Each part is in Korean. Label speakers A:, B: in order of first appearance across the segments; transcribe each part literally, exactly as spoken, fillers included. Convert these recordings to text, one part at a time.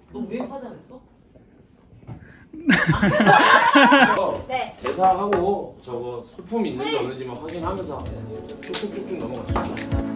A: 너 무역하지 않았어?
B: 네.
C: 대사하고 저거 소품 있는지 없는지만 확인하면서 쭉쭉쭉쭉 넘어가시죠.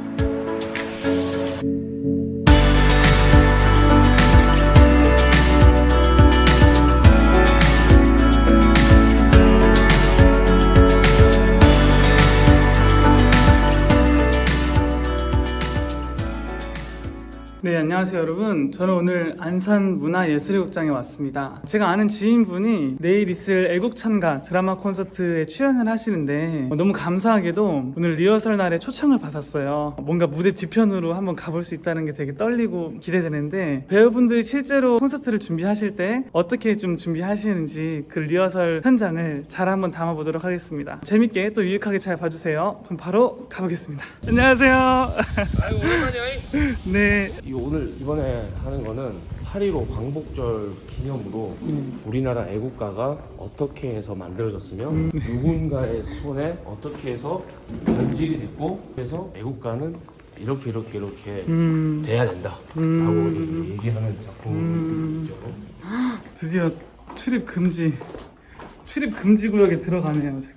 D: 네, 안녕하세요 여러분. 저는 오늘 안산문화예술극장에 왔습니다. 제가 아는 지인분이 내일 있을 애국찬가 드라마 콘서트에 출연을 하시는데 너무 감사하게도 오늘 리허설 날에 초청을 받았어요. 뭔가 무대 뒤편으로 한번 가볼 수 있다는 게 되게 떨리고 기대되는데, 배우분들이 실제로 콘서트를 준비하실 때 어떻게 좀 준비하시는지 그 리허설 현장을 잘 한번 담아보도록 하겠습니다. 재밌게 또 유익하게 잘 봐주세요. 그럼 바로 가보겠습니다. 안녕하세요.
C: 아이고 오랜만이야.
D: 네.
C: 이 오늘 이번에 하는 거는 팔일오 광복절 기념으로 음. 우리나라 애국가가 어떻게 해서 만들어졌으며 음. 누군가의 손에 어떻게 해서 변질이 됐고, 그래서 애국가는 이렇게 이렇게 이렇게 음. 돼야 된다 음. 라고 얘기하는 작품이죠.
D: 음. 드디어 출입 금지 출입 금지 구역에 들어가네요. 제가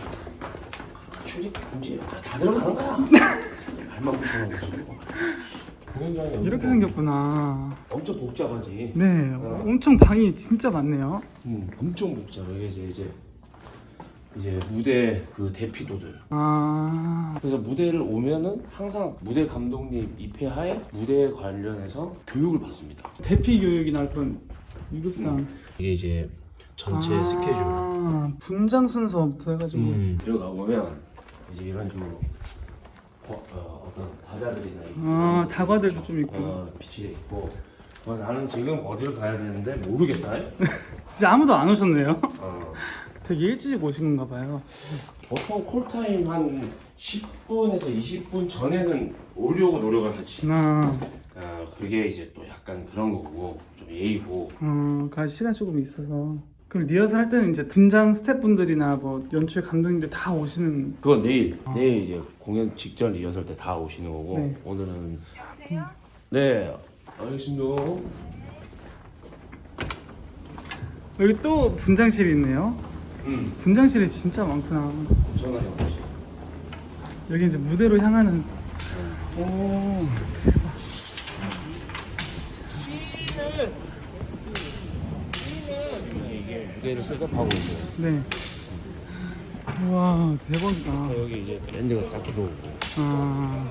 C: 출입 금지 다, 다 들어가는 거야. 발만 붙여놓은 거지.
D: 이렇게 생겼구나.
C: 엄청 복잡하지.
D: 네,
C: 어.
D: 엄청 방이 진짜 많네요.
C: 음, 엄청 복잡해. 이제 이제 이제 무대 그 대피도들.
D: 아,
C: 그래서 무대를 오면은 항상 무대 감독님 입회하에 무대에 관련해서 교육을 받습니다.
D: 대피 교육이나 그런 유급상.
C: 음. 이게 이제 전체
D: 아,
C: 스케줄.
D: 분장 순서부터 해가지고.
C: 음. 들어가 보면 이제 이런 식으로 어, 어, 어떤 과자들이나 있고,
D: 아, 다과들도 좀 있고.
C: 어, 빛이 있고. 어, 나는 지금 어디로 가야 되는데 모르겠다.
D: 진짜 아무도 안 오셨네요.
C: 어.
D: 되게 일찍 오신 건가 봐요.
C: 보통 콜타임 한 십 분에서 이십 분 전에는 오려고 노력을 하지.
D: 아,
C: 아, 그게 이제 또 약간 그런 거고, 좀 예의고.
D: 어, 가 시간 조금 있어서. 그럼 리허설 할 때는 이제 분장 스태프분들이나 뭐 연출 감독님들 다 오시는.
C: 그건 내일,
D: 아.
C: 내일 이제 공연 직전 리허설 때 다 오시는 거고,
D: 네.
C: 오늘은. 네, 알겠습니다.
D: 여기 또 분장실이 있네요.
C: 음,
D: 분장실이 진짜 많구나.
C: 엄청나게 많지.
D: 여기 이제 무대로 향하는. 오, 대박.
C: 이게 무대를 셋업하고 있어요.
D: 네. 우와, 대박이다.
C: 여기 이제 밴드가 싹 들어오고.
D: 아,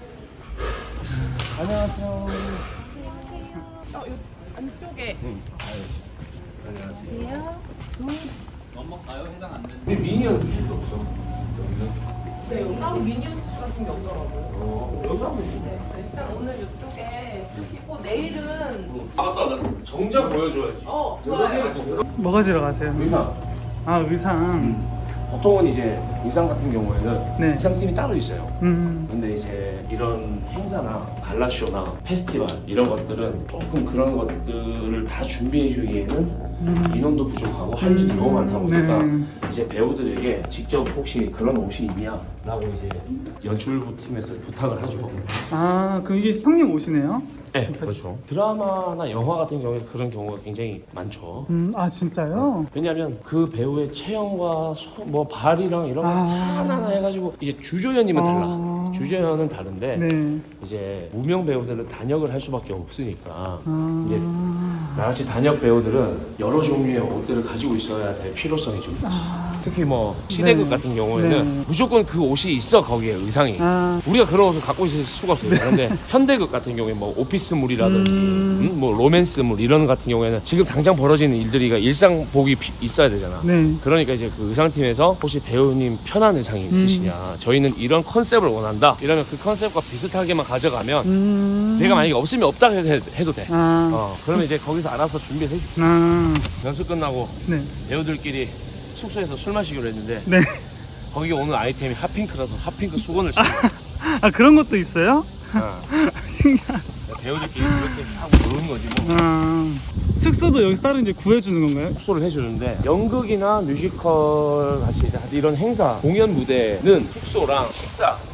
C: 안녕하세요.
A: 어, 요 안쪽에.
C: 응, 알겠습니다. 안녕하세요.
E: 넘어가요? 해당 안 되는.
C: 근데 미니 연습실도 없어. 여기는?
A: 네, 여기 따로 미니언 같은 게 없더라고요.
C: 어, 여기 하면 되지.
A: 네, 일단 오늘 이쪽에 쓰시고 내일은
C: 아, 맞다, 나 정장 보여줘야지.
A: 어, 좋아요.
D: 뭐 가지러 가세요?
C: 의상.
D: 아, 의상.
C: 보통은 이제 의상 같은 경우에는
D: 네.
C: 의상팀이 따로 있어요.
D: 음,
C: 근데 이제 이런 행사나 갈라쇼나 페스티벌 이런 것들은 조금 그런 것들을 다 준비해 주기에는
D: 음.
C: 인원도 부족하고 할 일이 너무 많다 보니까
D: 네.
C: 이제 배우들에게 직접 혹시 그런 옷이 있냐 라고 이제 연출부 팀에서 부탁을 하죠.
D: 아, 그럼 이게 형님 옷이네요?
C: 네, 그렇죠. 드라마나 영화 같은 경우에 그런 경우가 굉장히 많죠.
D: 음, 아, 진짜요?
C: 왜냐하면 그 배우의 체형과 소, 뭐 발이랑 이런 거
D: 아.
C: 하나하나 해가지고 이제 주조연이면 달라.
D: 아.
C: 주조연은 다른데
D: 네.
C: 이제 무명 배우들은 단역을 할 수밖에 없으니까
D: 아,
C: 이제 나같이 단역 배우들은 여러 종류의 옷들을 가지고 있어야 될 필요성이 좀 있지. 특히 뭐 시대극
D: 네.
C: 같은 경우에는
D: 네.
C: 무조건 그 옷이 있어. 거기에 의상이.
D: 아,
C: 우리가 그런 옷을 갖고 있을 수가 없어요. 그런데 현대극 같은 경우에 뭐 오피스물이라든지
D: 음.
C: 음, 뭐 로맨스물 이런 같은 경우에는 지금 당장 벌어지는 일들이 일상복이 피- 있어야 되잖아.
D: 네.
C: 그러니까 이제 그 의상팀에서 혹시 배우님 편한 의상이 있으시냐, 저희는 이런 컨셉을 원한다 이러면 그 컨셉과 비슷하게만 가져가면
D: 음.
C: 내가 만약에 없으면 없다 해도, 해도 돼.
D: 아,
C: 어, 그러면 이제 거기서 알아서 준비해 주
D: 아,
C: 연습 끝나고
D: 네.
C: 배우들끼리 숙소에서 술 마시기로 했는데
D: 네.
C: 거기 오늘 아이템이 핫핑크라서 핫핑크 수건을 쓰고
D: 아, 그런 것도 있어요?
C: 어,
D: 신기하다.
C: 배우들끼리 그렇게 하고 노는 거지 뭐.
D: 아, 숙소도 여기서 따로 이제 구해주는 건가요?
C: 숙소를 해주는데 연극이나 뮤지컬 같이 이런 행사 공연 무대는 숙소랑 식사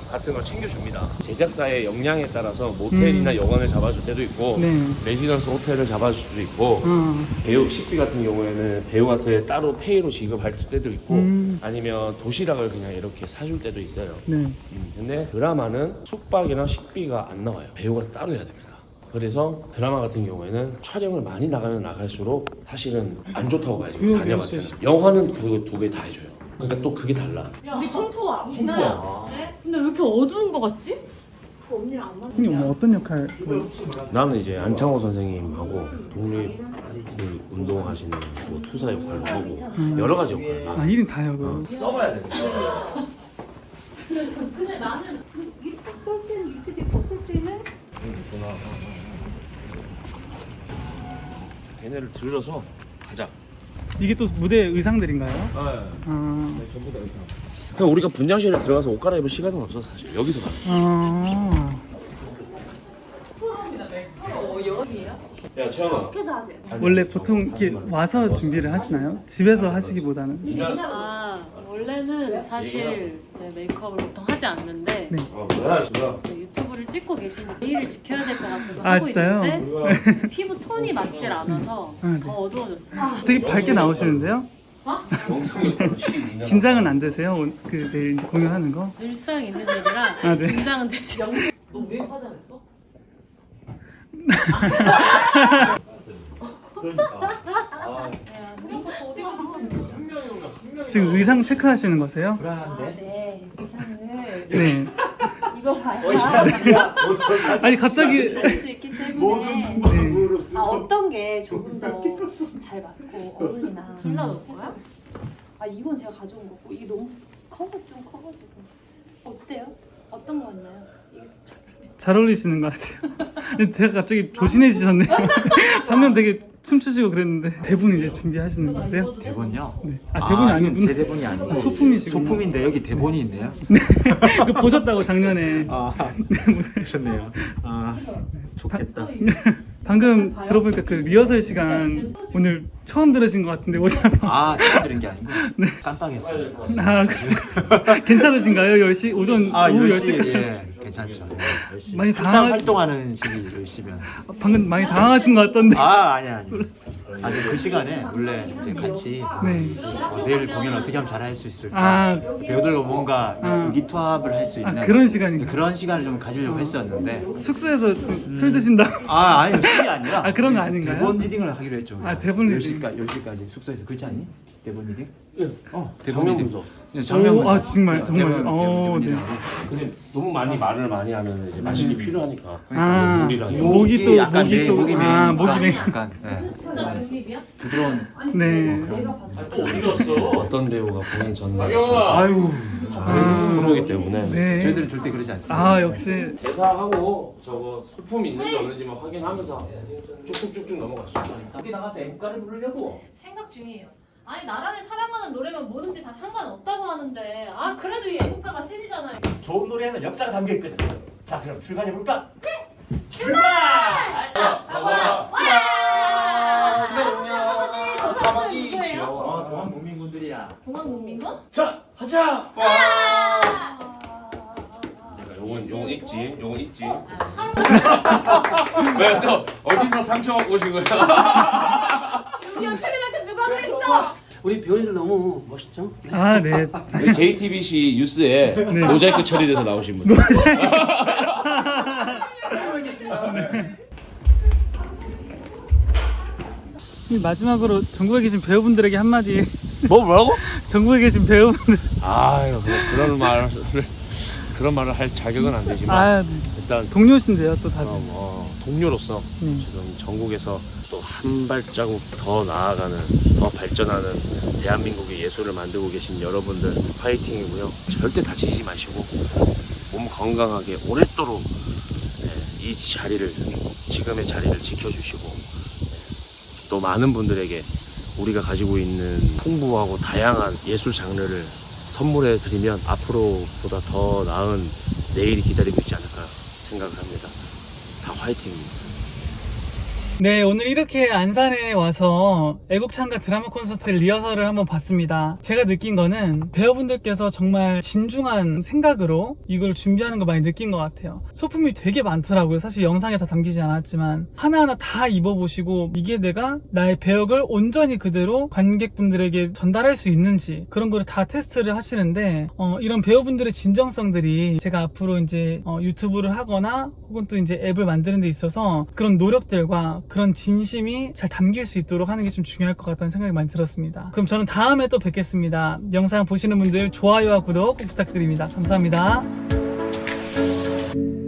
C: 같은 걸 챙겨줍니다. 제작사의 역량에 따라서 모텔이나
D: 음.
C: 여관을 잡아줄 때도 있고
D: 네.
C: 레지던스 호텔을 잡아줄 수도 있고
D: 어.
C: 배우 식비 같은 경우에는 배우한테 따로 페이로 지급할 때도 있고
D: 음.
C: 아니면 도시락을 그냥 이렇게 사줄 때도 있어요.
D: 네.
C: 음, 근데 드라마는 숙박이랑 식비가 안 나와요. 배우가 따로 해야 됩니다. 그래서 드라마 같은 경우에는 촬영을 많이 나가면 나갈수록 사실은 안 좋다고 봐야지.
D: 그래요,
C: 다녀봤어요.
D: 그래요.
C: 영화는 그거 두 개 다 해줘요. 그러니까 또 그게 달라.
A: 우리 통투와
C: 홍보야.
A: 네? 근데 왜 이렇게 어두운 거 같지?
B: 그 언니랑 안 맞는
D: 형님 뭐 어떤 역할? 뭐,
C: 나는 이제 안창호 선생님하고 독립 그 운동하시는 뭐 투사 역할도 하고 여러 가지 역할.
D: 아 일 인 다 해요.
C: 어,
D: 그.
C: 써봐야 돼.
B: 근데 나는 이렇게 볼 때는 이렇게 되고 볼 때는
C: 그렇구나. 얘네를 들어서 가자.
D: 이게 또 무대 의상들인가요?
C: 네.
D: 아.
C: 네, 전부 다 의상. 그냥 우리가 분장실에 들어가서 옷 갈아입을 시간은 없어 사실. 여기서 가.
D: 아.
A: 어, 여름이에요?
C: 야 채영아.
B: 어떻게 해서 하세요?
D: 원래 보통 이렇게 와서 준비를 하시나요? 집에서 하시기보다는.
F: 아 원래는 사실 이제 메이크업을 보통 하지 않는데
D: 네.
C: 어 뭐야 지금.
F: 이제 유튜브를 찍고 계시는 내일을 지켜야 될 것 같아서
D: 아,
F: 하고
D: 진짜요?
F: 있는데 지금 피부 톤이 맞질 않아서
D: 아, 네.
F: 더 어두워졌어요.
D: 되게 밝게 나오시는데요?
C: 영상이
D: 긴장은 안 되세요? 오- 그 내일 이제 공연하는 거?
F: 늘상 있는 일이라
D: 아, 네.
F: 긴장은 되죠.
A: 너왜 화장했어? 어디 가서
D: 지금 의상 체크하시는 거세요?
B: 아, 네. 의상을
D: 네.
B: 입어봐야
D: 아니 갑자기.
B: 할수 있기 때문에
D: 네.
B: 아, 어떤 게 조금 더 잘 맞고 어울리나
F: 둘 다 넣을 거야?
B: 아 이건 제가 가져온 거고 이게 너무 커가 좀 커가지고 어때요? 어떤 거 같나요? 이게 잘
D: 잘 어울리시는 것 같아요. 근데 제가 갑자기 조신해지셨네요. 방금 되게 춤추시고 그랬는데 대본 이제 준비하시는 거세요?
G: 대본요?
D: 네. 아 대본이 아, 니군
G: 제 대본이 아니고
D: 아, 소품이시구나.
G: 소품인데 여기 대본이 있네요.
D: 그 보셨다고 작년에.
G: 아 그렇네요. 아 좋겠다.
D: 방금 들어보니까 그 리허설 시간 오늘 처음 들으신 것 같은데 오셔서.
G: 아 제가 들은 게 아니고 깜빡했어요.
D: 아, 그- 괜찮으신가요? 열 시 오전
G: 아
D: 오후
G: 열 시
D: 열 시까지.
G: 예 괜찮죠. 예, 열심히.
D: 많이
G: 한참
D: 당황하-
G: 활동하는 시기 열 시면.
D: 방금 많이 당황하신 것 같던데.
G: 아 아니 아니. 아니 그 시간에 원래 이제 같이
D: 네.
G: 어, 내일 공연 어떻게 하면 잘할 수 있을까.
D: 아,
G: 배우들과 뭔가
D: 아.
G: 의기투합을 할 수
D: 아,
G: 있는
D: 그런 시간인가요?
G: 그런 시간을 좀 가지려고 했었는데.
D: 숙소에서 술 드신다.
G: 아 아니요 술이 아니라
D: 아, 그런 거 아닌가요?
G: 대본 리딩을 하기로 했죠.
D: 아, 대본 리딩.
G: 열 시까지 열 시까지 숙소에서 그렇지 않니? 대본 리딩?
C: 예.
G: 어 대본
C: 장면
G: 리딩.
C: 분석.
G: 네, 장면
D: 오,
G: 분석.
D: 아, 정말,
G: 어,
D: 정말.
G: 대본,
D: 어,
G: 대본
D: 네.
G: 리딩하고.
C: 근데 너무 많이 말을 많이 하면 이제 마실이 필요하니까.
D: 아,
C: 물이랑 이런
D: 목이 또
G: 약간
D: 목이
G: 매-
D: 또
G: 목이
D: 아, 목이
G: 메이니까
D: 메.
G: 약간 네.
F: 진짜 중립이야?
G: 부드러운
D: 네.
C: 또 어디 갔어? 어떤 배우가 공연 전날
G: 아유
D: 아,
C: 프로이기 때문에
D: 네.
G: 저희들은 절대 그러지 않습니다.
D: 아, 역시.
C: 대사하고 저거 소품 있는지 없는지만 확인하면서 쭉쭉쭉쭉 넘어가시죠.
G: 어디 나가서 애국가를 부르려고?
F: 생각 중이에요. 아니 나라를 사랑하는 노래면 뭐든지 다 상관없다고 하는데 아 그래도 이 애국가가 찐이잖아요.
H: 좋은 노래에는 역사가 담겨 있거든. 자, 그럼 출발해 볼까? 어, 동안 국민군들이야.
F: 동안 국민건?
C: 자, 하자. 내가 요건 요건 있지, 요건 있지. 왜 또 어디서 상처 받고 오신 거야?
F: 우리 연출님한테 누가 그랬어?
H: 우리 배우들 너무 멋있죠?
D: 아, 네.
C: 여기 제이티비씨 뉴스에 모자이크 처리돼서 나오신 분.
D: 마지막으로 전국에 계신 배우분들에게 한마디.
C: 뭐 뭐라고?
D: 전국에 계신 배우분들.
C: 아유, 뭐 그런 말을 그런 말을 할 자격은 안 되지만
D: 아, 네.
C: 일단
D: 동료신데요, 또 다들.
C: 어, 뭐 동료로서
D: 음.
C: 지금 전국에서 또 한 발자국 더 나아가는 더 발전하는 대한민국의 예술을 만들고 계신 여러분들 화이팅이고요. 절대 다치지 마시고 몸 건강하게 오랫도록 네, 이 자리를 지금의 자리를 지켜주시고 네, 또 많은 분들에게 우리가 가지고 있는 풍부하고 다양한 예술 장르를 선물해 드리면 앞으로보다 더 나은 내일이 기다리고 있지 않을까 생각을 합니다. 다 화이팅입니다.
D: 네, 오늘 이렇게 안산에 와서 애국창가 드라마 콘서트 리허설을 한번 봤습니다. 제가 느낀 거는 배우분들께서 정말 진중한 생각으로 이걸 준비하는 거 많이 느낀 것 같아요. 소품이 되게 많더라고요. 사실 영상에 다 담기지 않았지만 하나하나 다 입어보시고 이게 내가 나의 배역을 온전히 그대로 관객분들에게 전달할 수 있는지 그런 거를 다 테스트를 하시는데 어, 이런 배우분들의 진정성들이 제가 앞으로 이제 어, 유튜브를 하거나 혹은 또 이제 앱을 만드는 데 있어서 그런 노력들과 그런 진심이 잘 담길 수 있도록 하는 게 좀 중요할 것 같다는 생각이 많이 들었습니다. 그럼 저는 다음에 또 뵙겠습니다. 영상 보시는 분들 좋아요와 구독 꼭 부탁드립니다. 감사합니다.